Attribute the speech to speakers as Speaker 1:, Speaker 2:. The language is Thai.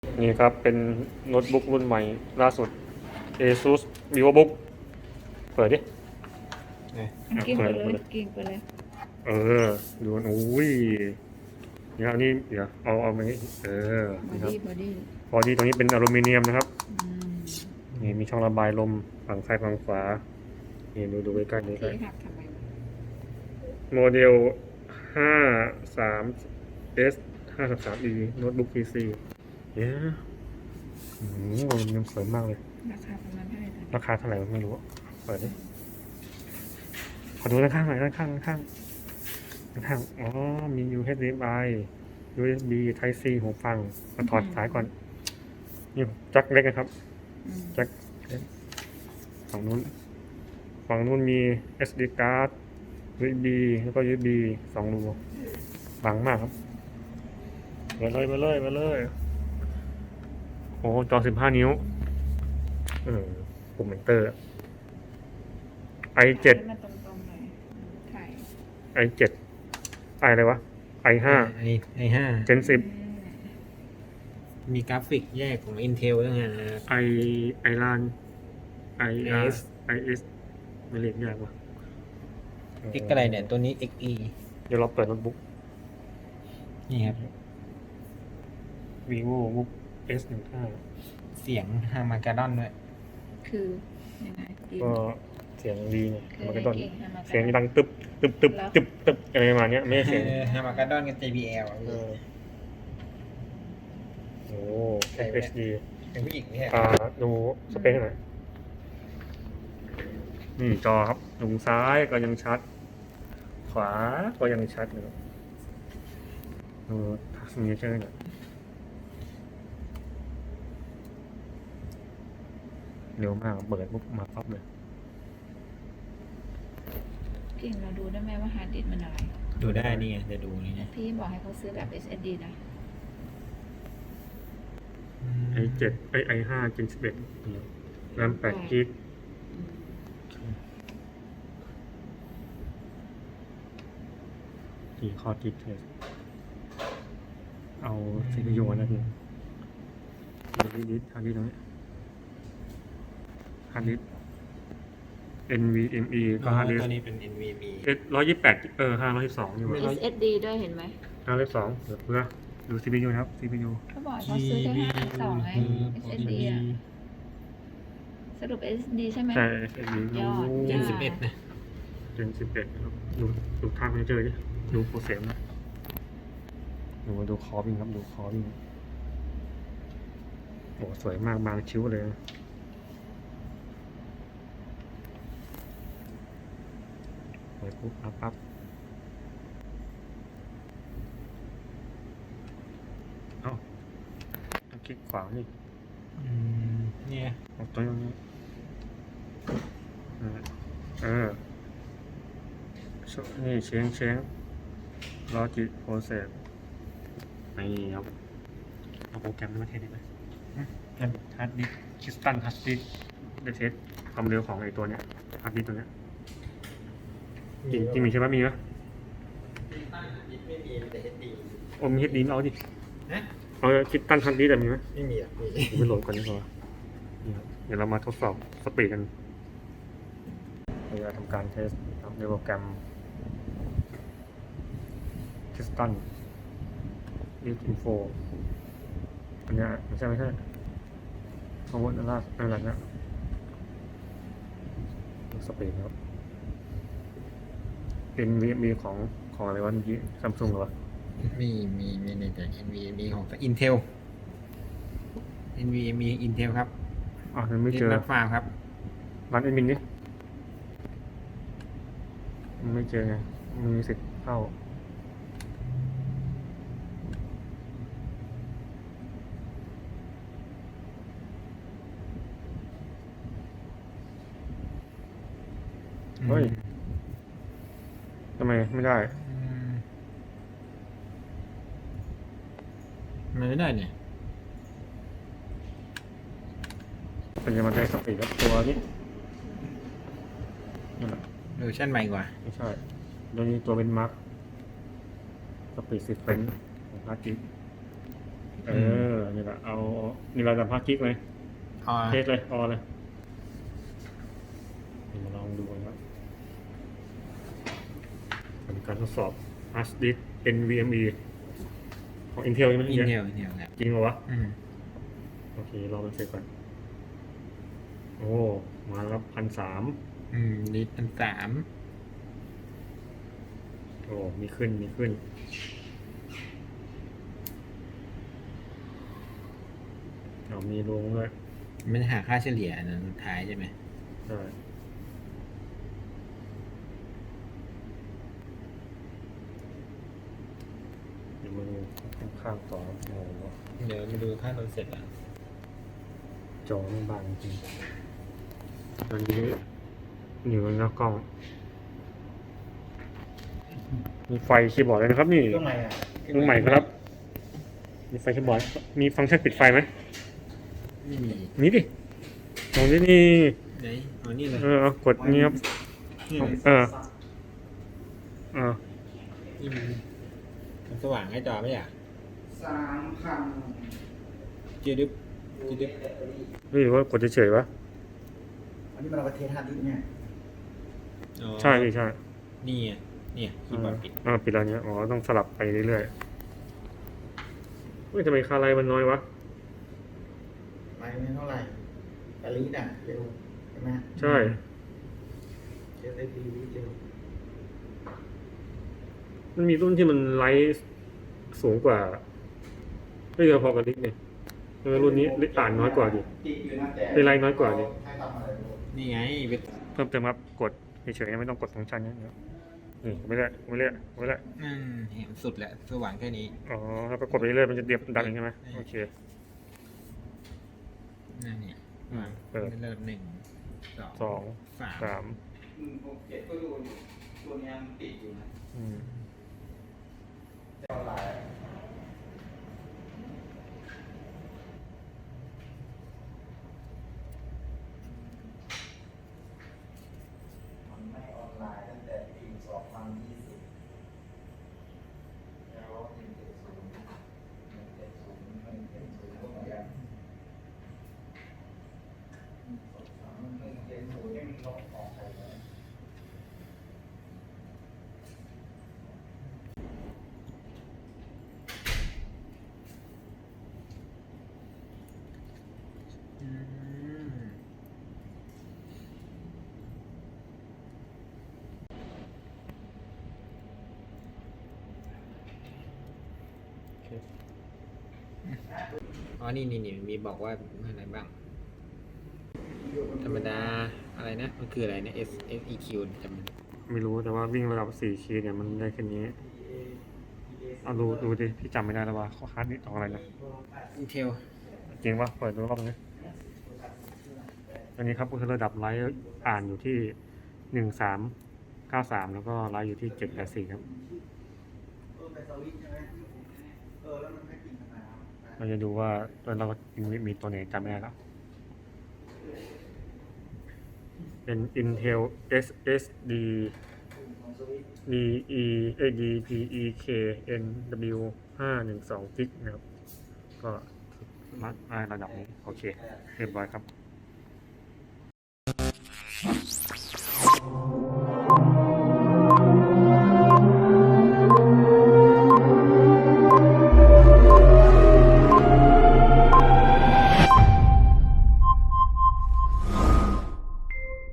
Speaker 1: นี่ครับเป็นโน้ตบุ๊กรุ่นใหม่ล่าสุด ASUS VivoBook เปิดดิ
Speaker 2: กิ้ง
Speaker 1: เปิ
Speaker 2: ไป
Speaker 1: ด
Speaker 2: เลย
Speaker 1: เปิด
Speaker 2: กิ้งไปเลย
Speaker 1: เออดูโอ้ยเดี๋ยวอันนี้เดี๋ยวเอามานี้
Speaker 2: บอ
Speaker 1: นี่ครับ
Speaker 2: ดี้บอดี้
Speaker 1: บอดี้ตรงนี้เป็นอลูมิเนียมนะครับ
Speaker 2: อืม
Speaker 1: นี่มีช่องระบายลมฝั่งซ้ายฝั่งขวานี่ดูใกล้ๆนี่
Speaker 2: ที่หักทำไมวะ
Speaker 1: โมเดล 53S 53E โน้ตบุ๊ก PC เย้อลูมิเนียมสวยมากเลย
Speaker 2: ราคาประมาณเท่าไหร่นะ
Speaker 1: ราคาเท่าไหร่ไม่รู้อะเปิดดิขอดูด้านข้างหน่อยด้านข้างอ๋อมี HDMI USB Type C หูฟังมาถอดสายก่อนนี่แจ็คเล็กนะครับ
Speaker 2: อืม
Speaker 1: แจ็คเล็กฝั่งนู้นมี SD card USB แล้วก็ USB 2 รูบางมากครับมาเลยโอ้จอ 15 นิ้วปุ่ม Enter i7
Speaker 2: ให้มันตรงๆหน่อยถ่าย
Speaker 1: i7 ไออะไรวะ i5
Speaker 3: i5
Speaker 1: Gen 10
Speaker 3: มีกราฟิกแยกของ Intel ด้วยนะ
Speaker 1: i ran
Speaker 3: IS
Speaker 1: is ไม่เรียกยากว่ะ
Speaker 3: X อะไรเนี่ย ตัวนี้ XE
Speaker 1: เดี๋ยวเราเปิดโน้ตบุ๊ก
Speaker 3: นี่ครับ
Speaker 1: VivoBook S15
Speaker 3: เสียงฮามาการ์ดอนด้วย
Speaker 2: คือยังไงกิ้ง
Speaker 1: ก็เสียงดีไง
Speaker 2: คือ
Speaker 1: มัน
Speaker 2: ให้
Speaker 1: ก็ต้น
Speaker 2: กิ้งให้มา
Speaker 1: เสียงดังตึบอะไรประมาณเนี้ยไม่ใช่เสียง
Speaker 3: ฮามาการ์ดอนกับ JBL อ่ะ
Speaker 1: เออโอ้ HD
Speaker 3: เป็นผู้หญิงเนี่ย
Speaker 1: ดูสเปคหน่อยนี่จอครับตรงซ้ายก็ยังชัด ขวาก็ยังชัดอยู่ดูทัชเนเจอร์เนี่ยเร็วมากเปิดปุ๊บมาปั๊บเลย
Speaker 2: กิ้งเราดูได้ไหมว่าฮาร์ดดิสก์มันอะไร
Speaker 3: ดูได้นี่ไงจะดูนี่นะ
Speaker 2: พี่บอกให้เขาซื้อแบบ SSD นะ
Speaker 1: i7 i5 Gen 11แรม8 GB
Speaker 2: อืม
Speaker 1: กี่คอร์ดิเทสเอา CPU นะพี่ฮาร์ดดิสตรงนี้ฮาร์ดดิส NVMe ก็ฮาร์ดดิส
Speaker 3: ตัวนี้เป็น NVMe
Speaker 1: 128512อยู่
Speaker 2: SSD ด้วยเห็นไหม
Speaker 1: 512เดี๋ยวเพื่อดู CPU นะครับ CPU
Speaker 2: เขาบอกให้เขาซื้อแค่5 2ไง SSD อ่ะสรุป SSD ใช่ไหม
Speaker 1: ใช่ SSD
Speaker 2: ยอด
Speaker 3: Gen
Speaker 2: ยอด
Speaker 3: 11นะ
Speaker 1: Gen 11นะครับดูทางไม่เจอดิดูโปรเซสนะดูคอวิ่งครับดูคอวิ่งโอ้สวยมากบางชิ้วเลยไปปุ๊บปั๊บเอ้าต้องคลิกขวานี่
Speaker 3: เนี่ย
Speaker 1: เอาตัวนี้นี่เช้งลอจิกโปรเซสนี่ครับเอาโปรแกรมในประเทศได้ไหมฮาร์ดดิสคริสตัลฮาร์ดดิสได้เทสความเร็วของไอ้ตัวเนี้ยฮาร์ดดิสตัวเนี้ยจริงมีใช่ไหมมีไหม
Speaker 3: ไม่มีแต่ HD
Speaker 1: โอ้มีเฮดดีเอาดิ
Speaker 3: นะ
Speaker 1: เอาคริสตัลฮาร์ดดิสแต่มีไหม
Speaker 3: ไม่มีอ่ะมี
Speaker 1: ไปโหลดก่อนดีกว่านี่ครับเดี๋ยวเรามาทดสอบสปีดกันเราจะทำการเทสในโปรแกรมคริสตัลดิสอินโฟอันเนี้ยไม่ใช่ข้อมูลนั่นแหละเนี่ยสปีดครับเป็นมีของอะไรวะเมื่อกี้ซัมซุงเหรอวะ
Speaker 3: มีในแต่ NVMe ของ Intel NVMe Intel ครับ
Speaker 1: ยังไม่เจอ
Speaker 3: นัดฟาร์มครับ
Speaker 1: ร้านแอดมินนี่ไม่เจอไงมีสิทธิ์เข้าเฮ้ยทำไมไม่ได้
Speaker 3: มันไม่ได้เนี่ย
Speaker 1: เป็นจะมาได้สปีดแล้วตัวนี้นั่นแหละ
Speaker 3: เวอร์ชันใหม่กว่า
Speaker 1: ไม่ใช่ตัวนี้ตัวเป็นมาร์คสปีด10 เฟรนของฮาร์ดดิสก์นี่แหละเอานี่เราจะพักกิ๊กเลย
Speaker 3: อ๋อ
Speaker 1: เทสเลยออเลยมาลองดูกันครับเป็นการทดสอบ hard disk NVMe ของ Intel ใช่ไหม
Speaker 3: อินเท
Speaker 1: เนี่ย
Speaker 3: ลครับ
Speaker 1: จริงเหรอวะ
Speaker 3: อืม
Speaker 1: โอเครอมันเสร็จก่อนโอ้มาแล้ว1,300
Speaker 3: ลิตร1,300
Speaker 1: โอ้มีขึ้นมีลงด้วย
Speaker 3: มันหาค่าเฉลี่ยอันนั้นสุดท้ายใช่ไหม
Speaker 1: ใช่เดี๋ยวมาดูข้างๆต่อโอ้โห
Speaker 3: เดี๋ยวมาดูค่าตอนเสร็จอ่ะ
Speaker 1: จอมันบางจริงตอนนี้อยู่หน้ากล้อง มีไฟคีย์บอร์ดเลยนะครับนี่
Speaker 3: เครื่องใหม่อ่ะ
Speaker 1: เครื่องใหม่ครับ มีไฟคีย์บอร์ด มีฟังก์ชันปิดไฟไหม
Speaker 3: ไม่มี
Speaker 1: นี่ดิตรงนี้นี่
Speaker 3: ไหนอ๋อนี่เลย
Speaker 1: เอากดนี้ครับ
Speaker 3: นี่เลย
Speaker 1: เออ
Speaker 3: นี่มันสว่างให้จอไหมอ่ะ
Speaker 4: 3,000
Speaker 3: จืดดึบจืดดึบ
Speaker 1: หรือว่ากดเฉยๆวะ
Speaker 4: อันนี้มันเอาไปเทสฮาร์ดดิสก์เนี่ย
Speaker 3: อ๋อ
Speaker 1: ใช่พี่ใช่
Speaker 3: นี่ไงเนี่ยคีย์บอร์ดปิด
Speaker 1: ปิดแล้วเนี้ยอ๋อต้องสลับไปเรื่อยๆเฮ้ยทำไมคาไลน์มันน้อยวะ
Speaker 4: ไปไม่เท่าไหร่แต่ลีดอ่ะเร็วใช่ไหม
Speaker 1: ใช่
Speaker 4: เร็วได้ดีลีดเร็ว
Speaker 1: มันมีรุ่นที่มันไลท์สูงกว่าไม่เยอะพอกับลิกเนี่ยรุ่นนี้อ่านน้อยกว่าดิ
Speaker 4: ติดอยู่นะแต่
Speaker 1: ได้ไลน์น้อยกว่าดิ
Speaker 4: ให้ทำอะไรไม่รู้
Speaker 3: นี่ไงไป
Speaker 1: เพิ่มเติมครับกดเฉยๆไม่ต้องกดฟังก์ชันเนี้ยนี่ไม่เรื่อย
Speaker 3: เห็นสุดแล้วสว่างแค่นี้
Speaker 1: อ๋อแล้วก็กดไปเรื่อยมันจะเดียบดังใช่ไหมโอเค
Speaker 3: นั่นเนี่ย
Speaker 1: เปิด
Speaker 3: เริ่ม1
Speaker 1: สอง
Speaker 3: 2 3
Speaker 1: สาม
Speaker 4: 167ก็ดูตัวเนี้ยมันติดอยู่นะ
Speaker 1: อืม
Speaker 4: แต่ออนไลน์มันไม่ออนไลน์ตั้งแต่ปี 2020 แล้ว170ก็เหมือนกัน170ยังลบออกไปเลย
Speaker 3: อืม
Speaker 1: โอเค
Speaker 3: อ๋อนี่มีบอกว่าอะไรบ้าง ธรรมดาอะไรนะ มันคืออะไรนะ SEQ จำมัน
Speaker 1: ไม่รู้แต่ว่าวิ่งระดับ4 ขีดเนี่ยมันได้แค่นี้เอาดูดิพี่จำไม่ได้แล้วว่าเขาฮาร์ดดิสก์ของอะไรนะ
Speaker 3: Intel
Speaker 1: จริงปะเปิดดูรอบนึงอันนี้ครับก็คือระดับไลท์อ่านอยู่ที่1393แล้วก็ไลท์อยู่ที่784ครับ
Speaker 4: ไปสวิตช์ใช่ไหมแล้วมันไม่กินทำไมครับ
Speaker 1: เราจะดูว่าเรามีตัวไหนจำไม่ได้แล้วเป็น Intel SSD DPEK NW 512 g นะครับก็มัดได้ระดับนี้โอเคเรียบร้อยครับ